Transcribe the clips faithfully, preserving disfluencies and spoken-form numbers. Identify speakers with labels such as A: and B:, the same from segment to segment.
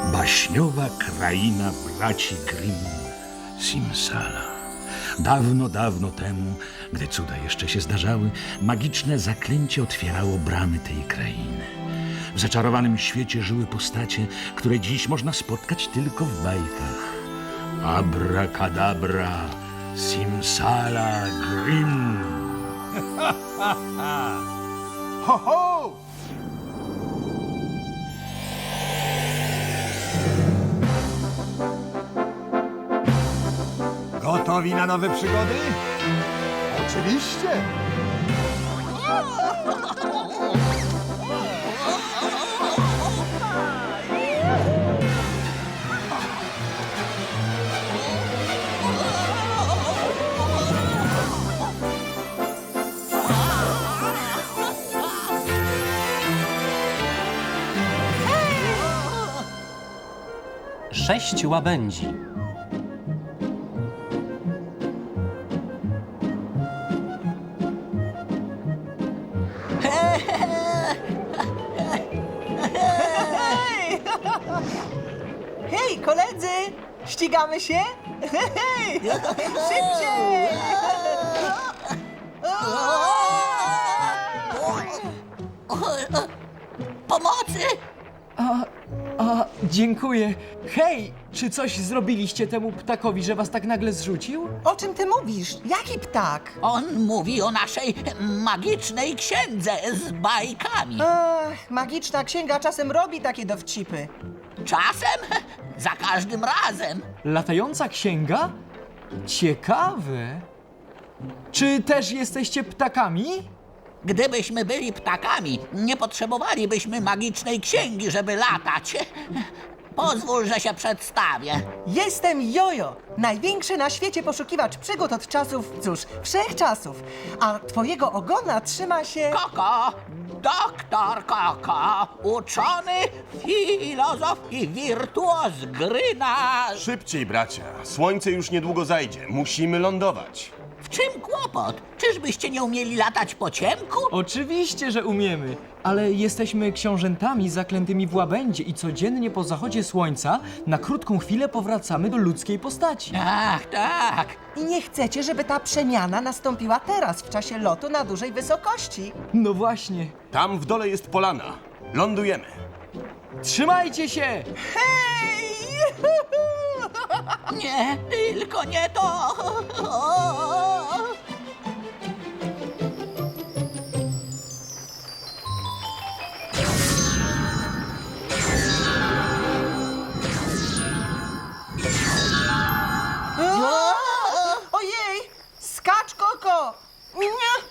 A: Baśniowa kraina braci Grimm, Simsala. Dawno, dawno temu, gdy cuda jeszcze się zdarzały, magiczne zaklęcie otwierało bramy tej krainy. W zaczarowanym świecie żyły postacie, które dziś można spotkać tylko w bajkach. Abracadabra, Simsala, Grimm.
B: Ho, ho! Gotowi na nowe przygody? Oczywiście!
C: Sześć łabędzi.
D: Hej, koledzy! Ścigamy się? Hej! Szybciej!
E: Pomocy!
F: A, dziękuję. Hej, czy coś zrobiliście temu ptakowi, że was tak nagle zrzucił?
D: O czym ty mówisz? Jaki ptak?
E: On mówi o naszej magicznej księdze z bajkami.
D: Ach, magiczna księga czasem robi takie dowcipy.
E: Czasem? Za każdym razem.
F: Latająca księga? Ciekawe. Czy też jesteście ptakami?
E: Gdybyśmy byli ptakami, nie potrzebowalibyśmy magicznej księgi, żeby latać. Pozwól, że się przedstawię.
D: Jestem Jojo, największy na świecie poszukiwacz przygód od czasów, cóż, wszechczasów. A twojego ogona trzyma się...
E: Koko, doktor Koko, uczony, filozof i wirtuoz gry na...
G: Szybciej, bracia. Słońce już niedługo zajdzie. Musimy lądować.
E: W czym kłopot? Czyżbyście nie umieli latać po ciemku?
F: Oczywiście, że umiemy, ale jesteśmy książętami zaklętymi w łabędzie i codziennie po zachodzie słońca na krótką chwilę powracamy do ludzkiej postaci.
E: Tak, tak.
D: I nie chcecie, żeby ta przemiana nastąpiła teraz, w czasie lotu na dużej wysokości.
F: No właśnie.
G: Tam w dole jest polana. Lądujemy.
F: Trzymajcie się!
D: Hej!
E: Nie, tylko nie to.
D: Ojej! Skacz, Koko! Nie!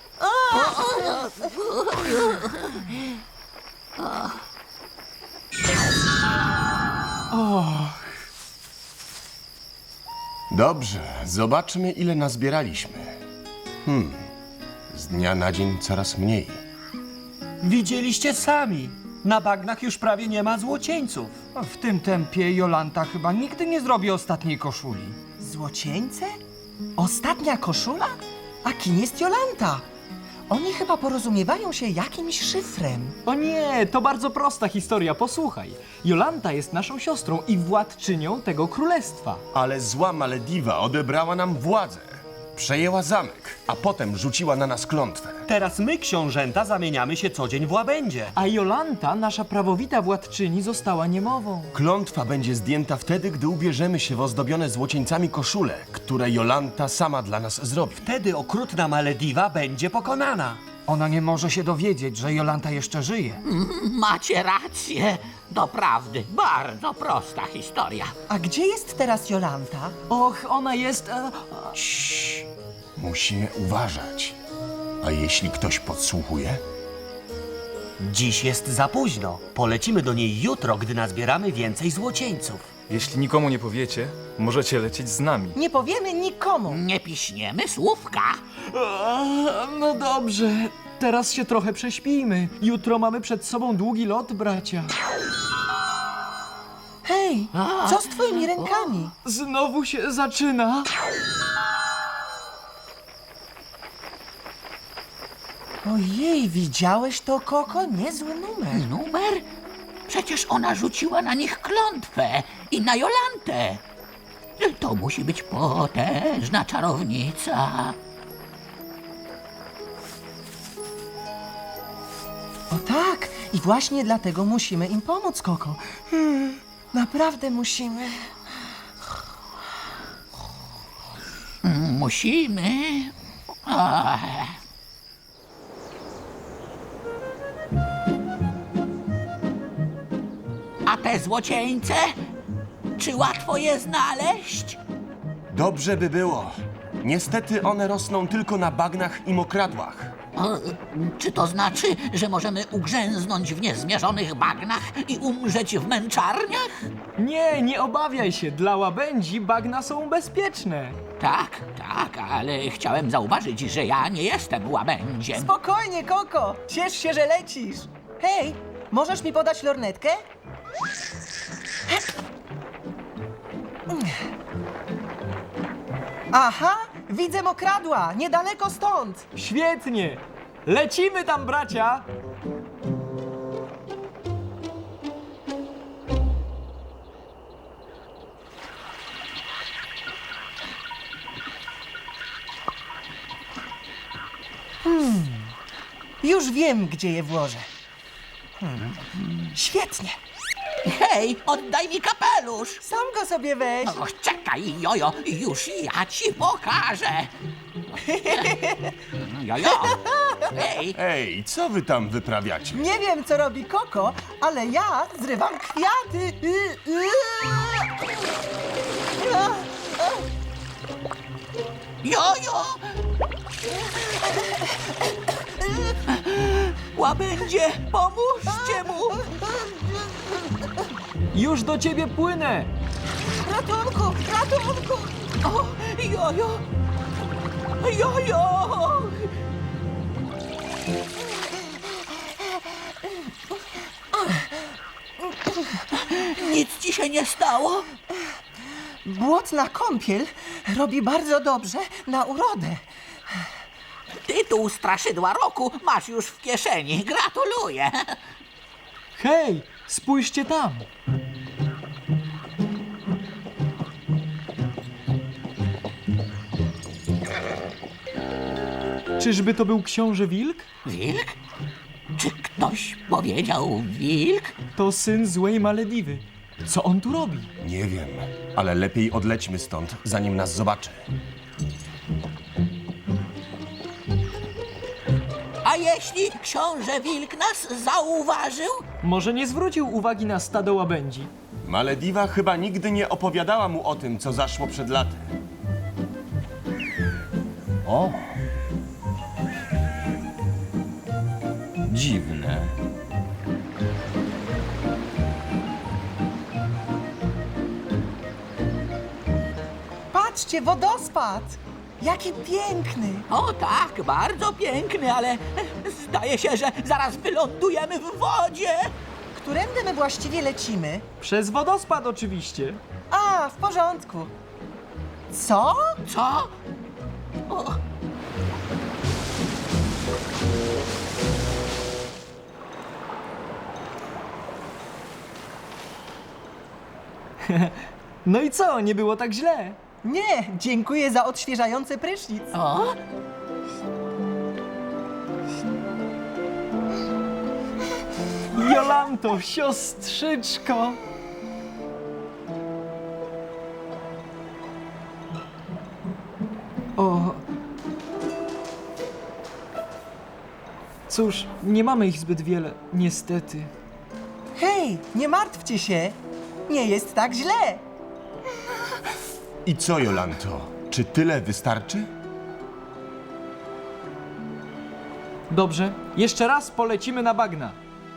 G: Dobrze, zobaczmy, ile nazbieraliśmy. Hmm, z dnia na dzień coraz mniej.
H: Widzieliście sami. Na bagnach już prawie nie ma złocieńców.
B: W tym tempie Jolanta chyba nigdy nie zrobi ostatniej koszuli.
D: Złocieńce? Ostatnia koszula? A kim jest Jolanta? Oni chyba porozumiewają się jakimś szyfrem.
F: O nie, to bardzo prosta historia, posłuchaj. Jolanta jest naszą siostrą i władczynią tego królestwa.
G: Ale zła Malediwa odebrała nam władzę. Przejęła zamek, a potem rzuciła na nas klątwę.
H: Teraz my, książęta, zamieniamy się co dzień w łabędzie.
F: A Jolanta, nasza prawowita władczyni, została niemową.
G: Klątwa będzie zdjęta wtedy, gdy ubierzemy się w ozdobione złocieńcami koszule, które Jolanta sama dla nas zrobi.
H: Wtedy okrutna Malediwa będzie pokonana.
B: Ona nie może się dowiedzieć, że Jolanta jeszcze żyje.
E: Macie rację. Doprawdy, bardzo prosta historia.
D: A gdzie jest teraz Jolanta?
F: Och, ona jest... E,
G: Ciii, musimy uważać. A jeśli ktoś podsłuchuje?
H: Dziś jest za późno. Polecimy do niej jutro, gdy nazbieramy więcej złocieńców.
I: Jeśli nikomu nie powiecie, możecie lecieć z nami.
D: Nie powiemy nikomu.
E: Nie piśniemy słówka.
F: e, no dobrze, teraz się trochę prześpijmy. Jutro mamy przed sobą długi lot, bracia.
D: Hej, co z twoimi rękami?
F: Znowu się zaczyna.
D: Ojej, widziałeś to, Koko? Niezły numer.
E: Numer? Przecież ona rzuciła na nich klątwę i na Jolantę. To musi być potężna czarownica.
D: O tak, i właśnie dlatego musimy im pomóc, Koko. Hmm, naprawdę musimy.
E: Musimy. Ach. A te złocieńce? Czy łatwo je znaleźć?
G: Dobrze by było. Niestety one rosną tylko na bagnach i mokradłach.
E: O, czy to znaczy, że możemy ugrzęznąć w niezmierzonych bagnach i umrzeć w męczarniach?
F: Nie, nie obawiaj się, dla łabędzi bagna są bezpieczne.
E: Tak, tak, ale chciałem zauważyć, że ja nie jestem łabędziem.
D: Spokojnie, Koko, ciesz się, że lecisz. Hej, możesz mi podać lornetkę? Aha, widzę mokradła, niedaleko stąd.
F: Świetnie! Lecimy tam, bracia!
D: Już wiem, gdzie je włożę. Hmm. Świetnie,
E: Hej, oddaj mi kapelusz!
D: sam go sobie weź.
E: Och, czekaj, jojo, już ja ci pokażę. Jojo, hej,
G: Ej, co wy tam wyprawiacie?
D: Nie wiem, co robi Koko, ale ja zrywam kwiaty. Y, y. A,
E: jojo! Łabędzie, pomóżcie mu!
F: Już do ciebie płynę!
D: Ratunku, ratunku!
E: O, jojo! Jojo! Nic ci się nie stało?
D: Błotna kąpiel robi bardzo dobrze na urodę.
E: Tytuł Straszydła Roku masz już w kieszeni. Gratuluję.
F: Hej, spójrzcie tam! Czyżby to był książę Wilk?
E: Wilk? Czy ktoś powiedział wilk?
F: To syn złej Malediwy. Co on tu robi?
G: Nie wiem, ale lepiej odlećmy stąd, zanim nas zobaczy.
E: A jeśli książę wilk nas zauważył?
F: Może nie zwrócił uwagi na stado łabędzi.
G: Malediwa chyba nigdy nie opowiadała mu o tym, co zaszło przed laty.
J: O! Dziwne.
D: Patrzcie, wodospad! Jaki piękny!
E: O tak, bardzo piękny, ale zdaje się, że zaraz wylądujemy w wodzie.
D: Którędy my właściwie lecimy?
F: Przez wodospad oczywiście.
D: A, w porządku. Co?
E: Co? O,
F: No i co, nie było tak źle?
D: Nie, dziękuję za odświeżający prysznic.
E: o,
F: Jolanto, siostrzyczko! O. Cóż, nie mamy ich zbyt wiele, niestety.
D: Hej, nie martwcie się. Nie jest tak źle.
G: I co, Jolanto? Czy tyle wystarczy?
F: Dobrze, jeszcze raz polecimy na bagna.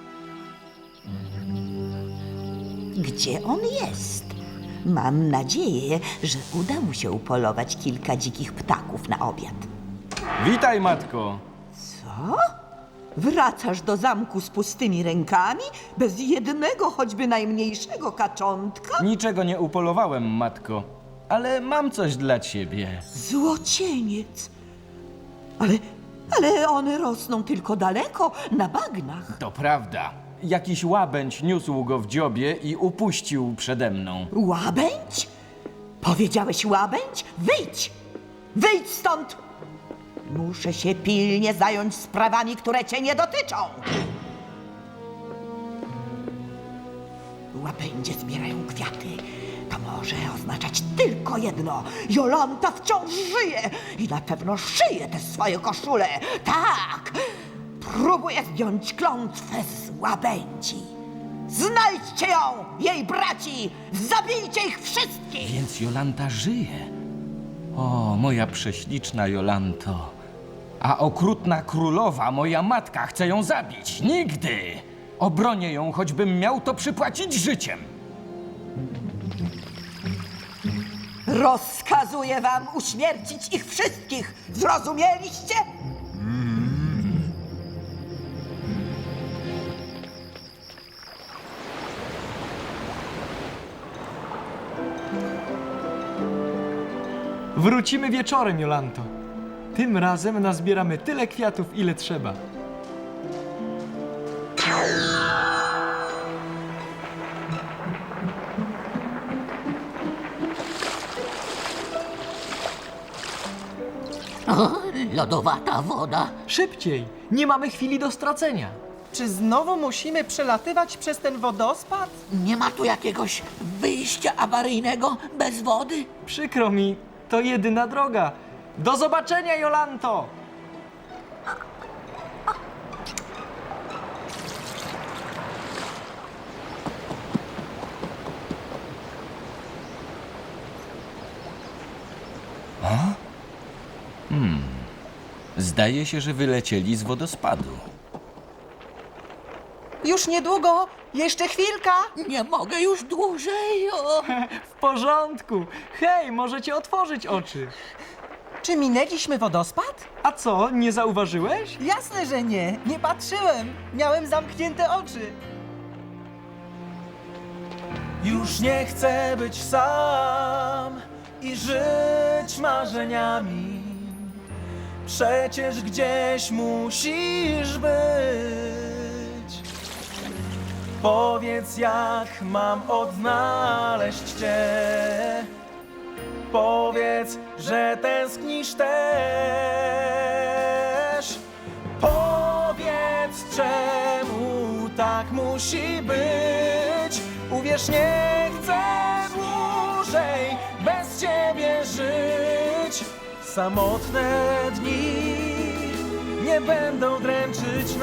K: Gdzie on jest? Mam nadzieję, że uda mu się upolować kilka dzikich ptaków na obiad.
J: Witaj, matko.
K: Co? Wracasz do zamku z pustymi rękami? Bez jednego, choćby najmniejszego kaczątka?
J: Niczego nie upolowałem, matko. Ale mam coś dla ciebie.
K: Złocieniec! Ale, ale one rosną tylko daleko, na bagnach.
J: To prawda. jakiś łabędź niósł go w dziobie i upuścił przede mną.
K: Łabędź? Powiedziałeś łabędź? Wyjdź! Wyjdź stąd! Muszę się pilnie zająć sprawami, które cię nie dotyczą. Łabędzie zbierają kwiaty. To może oznaczać tylko jedno. Jolanta wciąż żyje i na pewno szyje te swoje koszule. Tak! Próbuję zdjąć klątwę z łabędzi. Znajdźcie ją, jej braci! Zabijcie ich wszystkich!
J: Więc Jolanta żyje. O, moja prześliczna Jolanto. A okrutna królowa, moja matka, chce ją zabić. Nigdy! Obronię ją, choćbym miał to przypłacić życiem.
K: Rozkazuję wam uśmiercić ich wszystkich! Zrozumieliście?
F: Wrócimy wieczorem, Jolanto. Tym razem nazbieramy tyle kwiatów, ile trzeba.
E: O, lodowata woda.
F: Szybciej! Nie mamy chwili do stracenia.
D: Czy znowu musimy przelatywać przez ten wodospad?
E: Nie ma tu jakiegoś wyjścia awaryjnego bez wody?
F: Przykro mi, to jedyna droga. Do zobaczenia, Jolanto!
J: Zdaje się, że wylecieli z wodospadu.
D: Już niedługo, jeszcze chwilka.
E: Nie mogę już dłużej. O.
F: W porządku. Hej, możecie otworzyć oczy.
D: Czy minęliśmy wodospad?
F: A co, nie zauważyłeś?
D: Jasne, że nie. Nie patrzyłem. Miałem zamknięte oczy.
L: Już nie chcę być sam i żyć marzeniami. Przecież gdzieś musisz być. Powiedz, jak mam odnaleźć cię. Powiedz, że tęsknisz też. Powiedz, czemu tak musi być. Uwierz, nie chcę dłużej bez ciebie żyć. Samotne dni nie będą dręczyć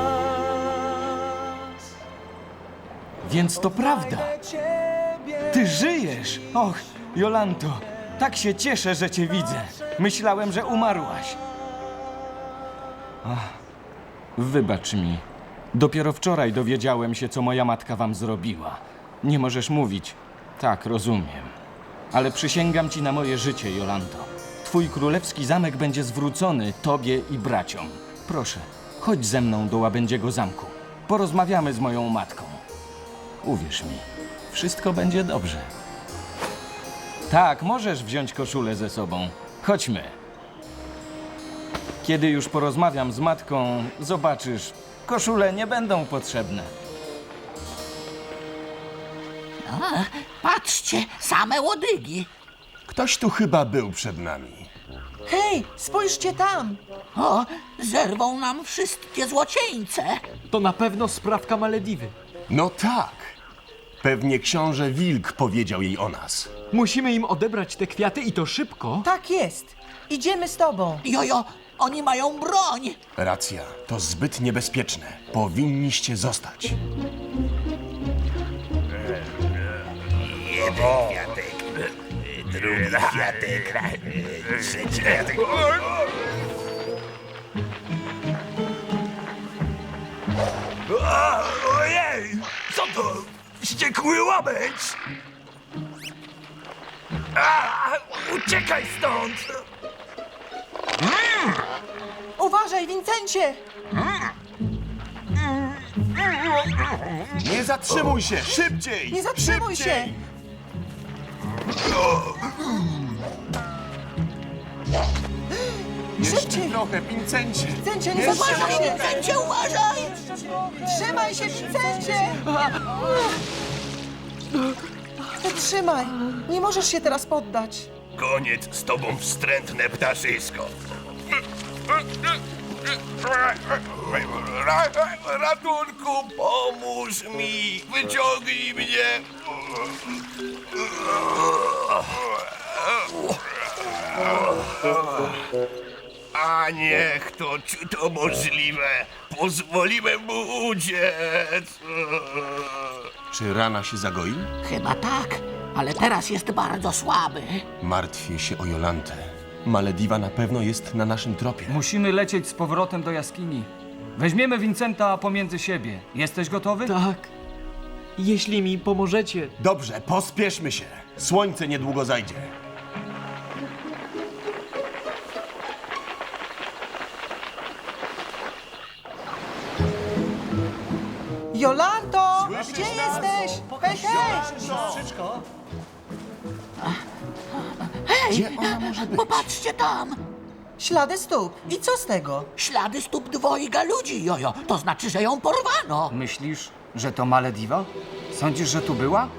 L: nas.
J: Więc to prawda. Ty żyjesz! Och, Jolanto, tak się cieszę, że cię widzę. Myślałem, że umarłaś. Ach, wybacz mi. Dopiero wczoraj dowiedziałem się, co moja matka wam zrobiła. Nie możesz mówić. Tak, rozumiem. Ale przysięgam ci na moje życie, Jolanto. Twój królewski zamek będzie zwrócony tobie i braciom. Proszę, chodź ze mną do łabędziego zamku. Porozmawiamy z moją matką. Uwierz mi, wszystko będzie dobrze. Tak, możesz wziąć koszulę ze sobą. Chodźmy. Kiedy już porozmawiam z matką, zobaczysz, koszule nie będą potrzebne.
E: A, patrzcie, same łodygi.
G: Ktoś tu chyba był przed nami.
D: Hej, spójrzcie tam.
E: O, zerwą nam wszystkie złocieńce.
F: To na pewno sprawka Malediwy.
G: No tak. Pewnie książę Wilk powiedział jej o nas.
F: Musimy im odebrać te kwiaty i to szybko.
D: Tak jest. Idziemy z tobą.
E: Jojo, oni mają broń.
G: Racja, to zbyt niebezpieczne. Powinniście zostać.
A: Drugi kwiatek. Trzeci kwiatek. Ojej! Co to? Wściekły łabędź! A, uciekaj stąd!
D: Uważaj, Wincencie!
G: Nie zatrzymuj się! Szybciej!
D: Nie zatrzymuj się!
G: Szybciej! Jeszcze
D: Szybciej!
G: trochę, Pincencie!
D: Wincencie, nie
G: Jeszcze
D: zatrzymaj się!
E: Uważaj, uważaj!
D: Trzymaj się, Vincencie! Trzymaj, nie możesz się teraz poddać.
M: Koniec z tobą, wstrętne ptaszysko. Ratunku, pomóż mi! Wyciągnij mnie! A niech to, czy to możliwe? Pozwoliłem mu uciec!
G: Czy rana się zagoi?
E: Chyba tak, ale teraz jest bardzo słaby.
G: Martwię się o Jolantę. Malediva na pewno jest na naszym tropie.
B: Musimy lecieć z powrotem do jaskini. Weźmiemy Vincenta pomiędzy siebie. Jesteś gotowy?
F: Tak. Jeśli mi pomożecie.
G: Dobrze, pospieszmy się. Słońce niedługo zajdzie.
D: Jolanto, gdzie jesteś? Hej, hej!
H: Siostrzyczko?
E: Hej,
G: Gdzie ona może być?
E: popatrzcie tam!
D: Ślady stóp. I co z tego?
E: Ślady stóp dwojga ludzi, jojo. To znaczy, że ją porwano.
B: Myślisz, że to Malediva? Sądzisz, że tu była?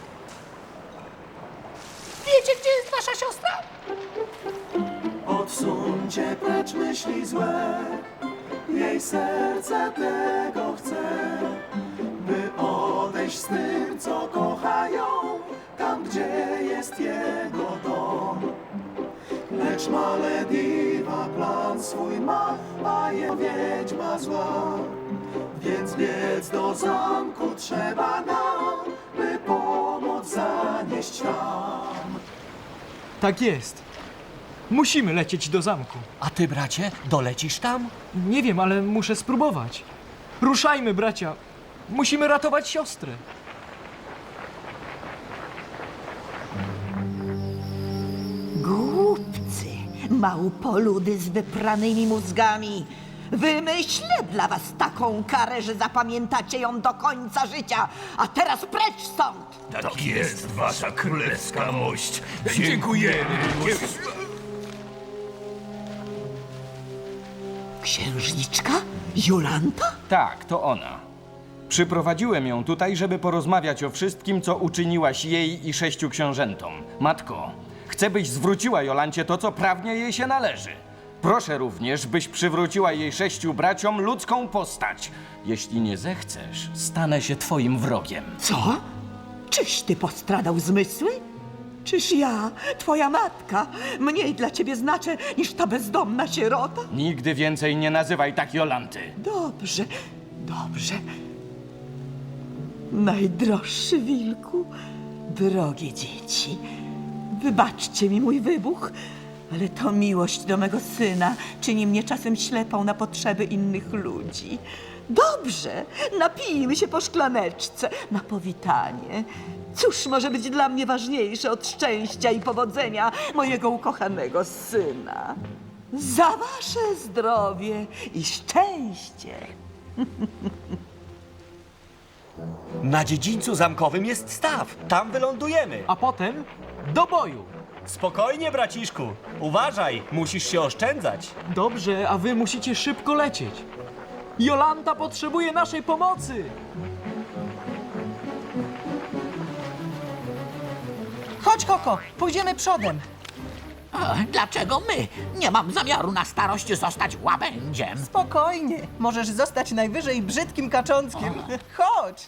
E: Wiecie, gdzie jest wasza siostra?
L: Odsuńcie precz myśli złe, jej serce tego chce, by odejść z tym, co kochają, tam, gdzie jest jego dom. Lecz Malediva plan swój ma, a jego wiedźma zła, więc biec do zamku trzeba nam, by pomoc zanieść tam.
F: Tak jest. Musimy lecieć do zamku.
H: A ty, bracie, dolecisz tam?
F: Nie wiem, ale muszę spróbować. Ruszajmy, bracia. Musimy ratować siostrę.
K: Głupcy, małpoludy z wypranymi mózgami. Wymyślę dla was taką karę, że zapamiętacie ją do końca życia. A teraz precz stąd!
M: Tak jest, wasza królewska mość. Dziękujemy.
K: Księżniczka? Jolanta?
J: Tak, to ona. Przyprowadziłem ją tutaj, żeby porozmawiać o wszystkim, co uczyniłaś jej i sześciu książętom. Matko, chcę, byś zwróciła Jolancie to, co prawnie jej się należy. Proszę również, byś przywróciła jej sześciu braciom ludzką postać. Jeśli nie zechcesz, stanę się twoim wrogiem.
K: Co? Czyś ty postradał zmysły? Czyż ja, twoja matka, mniej dla ciebie znaczę niż ta bezdomna sierota?
J: Nigdy więcej nie nazywaj tak Jolanty.
K: Dobrze, dobrze. Najdroższy wilku, drogie dzieci, wybaczcie mi mój wybuch, ale to miłość do mego syna czyni mnie czasem ślepą na potrzeby innych ludzi. Dobrze, napijmy się po szklaneczce na powitanie. Cóż może być dla mnie ważniejsze od szczęścia i powodzenia mojego ukochanego syna? Za wasze zdrowie i szczęście!
H: Na dziedzińcu zamkowym jest staw. Tam wylądujemy.
F: A potem do boju.
H: Spokojnie, braciszku. Uważaj, musisz się oszczędzać.
F: Dobrze, a wy musicie szybko lecieć. Jolanta potrzebuje naszej pomocy.
D: Chodź, Koko, pójdziemy przodem.
E: O, dlaczego my? Nie mam zamiaru na starość zostać łabędziem.
D: Spokojnie, możesz zostać najwyżej brzydkim kaczątkiem. Chodź.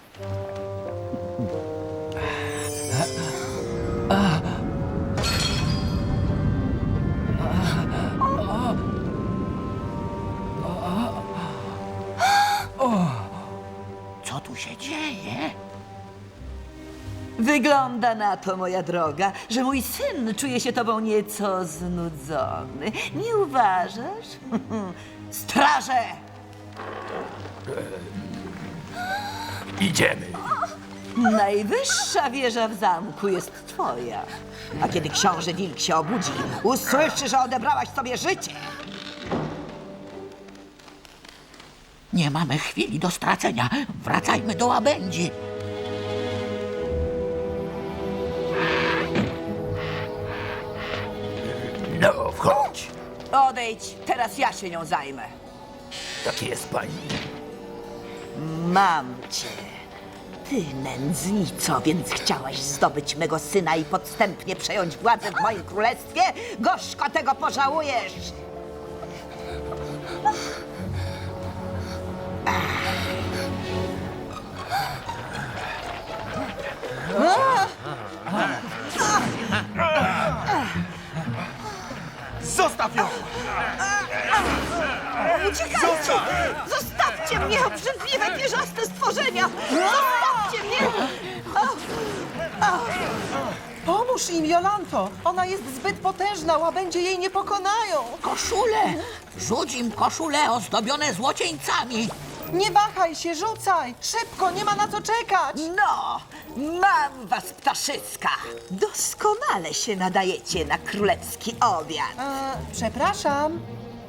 E: Co tu się dzieje?
K: Wygląda na to, moja droga, że mój syn czuje się tobą nieco znudzony. Nie uważasz? Straże!
M: Idziemy.
K: Najwyższa wieża w zamku jest twoja. A kiedy książę wilk się obudzi, usłyszy, że odebrałaś sobie życie.
E: Nie mamy chwili do stracenia. Wracajmy do łabędzi.
M: No, wchodź.
K: Odejdź, teraz ja się nią zajmę.
M: Tak jest, pani.
K: Mam cię. Ty, nędznico, więc chciałaś zdobyć mego syna i podstępnie przejąć władzę w moim królestwie? Gorzko tego pożałujesz!
G: Zostaw ją!
K: Uciekajcie! Zostawcie mnie, obrzydliwe, pierzaste stworzenia! Zostawcie mnie!
D: Pomóż im, Jolanto! Ona jest zbyt potężna, łabędzie jej nie pokonają!
E: Koszule! Rzuć im koszule ozdobione złocieńcami.
D: Nie wahaj się, rzucaj! Szybko, nie ma na co czekać!
K: No, mam was, ptaszyska! Doskonale się nadajecie na królewski obiad.
D: E, przepraszam.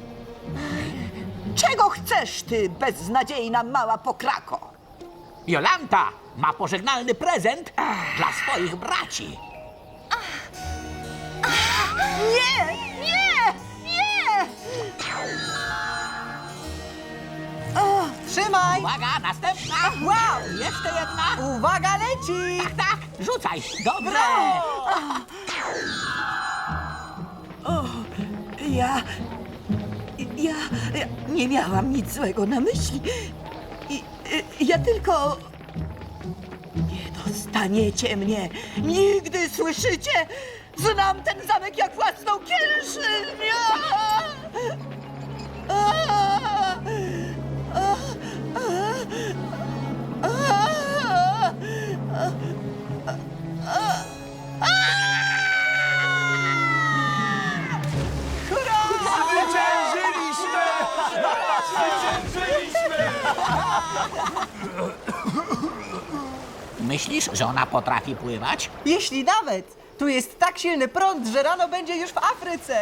K: Czego chcesz, ty beznadziejna mała pokrako?
E: Jolanta ma pożegnalny prezent dla swoich braci.
K: Nie, nie, nie!
D: Trzymaj!
E: Uwaga, następna!
D: Wow!
E: Jeszcze jedna!
D: Uwaga, leci!
E: Tak, tak, rzucaj! Dobrze!
K: Ja, ja, ja nie miałam nic złego na myśli. I, i, ja tylko... Nie dostaniecie mnie nigdy, słyszycie? Znam ten zamek jak własną kieszeń! A! A! A! A!
E: Myślisz, że ona potrafi pływać?
D: Jeśli nawet! Tu jest tak silny prąd, że rano będzie już w Afryce!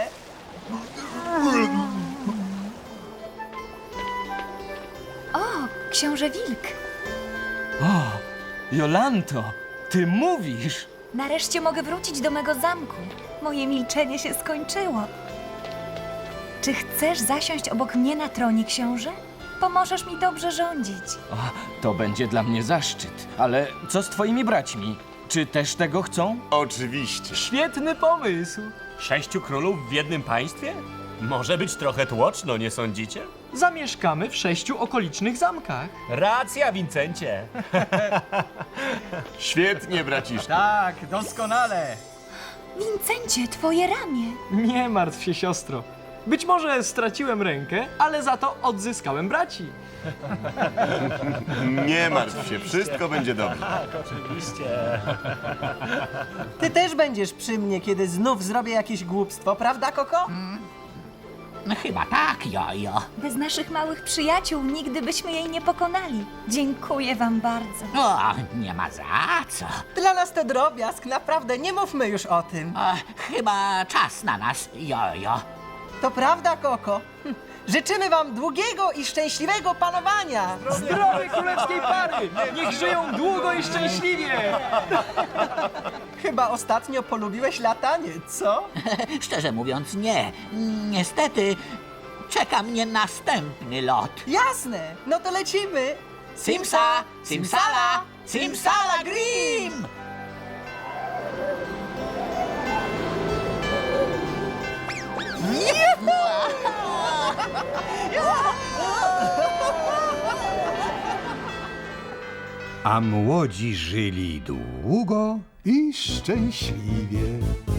N: O, książę Wilk.
J: O, Jolanto, ty mówisz!
N: Nareszcie mogę wrócić do mego zamku. Moje milczenie się skończyło. Czy chcesz zasiąść obok mnie na tronie, książę? Pomożesz mi dobrze rządzić.
J: O, to będzie dla mnie zaszczyt. Ale co z twoimi braćmi? Czy też tego chcą?
G: Oczywiście.
F: Świetny pomysł.
H: Sześciu królów w jednym państwie? Może być trochę tłoczno, nie sądzicie?
F: Zamieszkamy w sześciu okolicznych zamkach.
H: Racja, Wincencie.
G: Świetnie, braciszku.
B: Tak, doskonale.
N: Wincencie, twoje ramię.
F: Nie martw się, siostro. Być może straciłem rękę, ale za to odzyskałem braci.
G: Nie martw się, wszystko będzie dobrze.
H: Tak, oczywiście.
D: Ty też będziesz przy mnie, kiedy znów zrobię jakieś głupstwo, prawda, Koko?
E: No chyba tak, jojo.
N: Bez naszych małych przyjaciół nigdy byśmy jej nie pokonali. Dziękuję wam bardzo.
E: O, nie ma za co.
D: Dla nas to drobiazg, naprawdę, nie mówmy już o tym.
E: O, chyba czas na nas, jojo.
D: To prawda, Koko? Hm. Życzymy wam długiego i szczęśliwego panowania!
F: Zdrowej królewskiej pary! Niech żyją długo i szczęśliwie!
D: Chyba ostatnio polubiłeś latanie, co?
E: Szczerze mówiąc, nie. Niestety, czeka mnie następny lot.
D: Jasne, no to lecimy!
E: Simsa, simsala, simsala grim!
O: A młodzi żyli długo i szczęśliwie.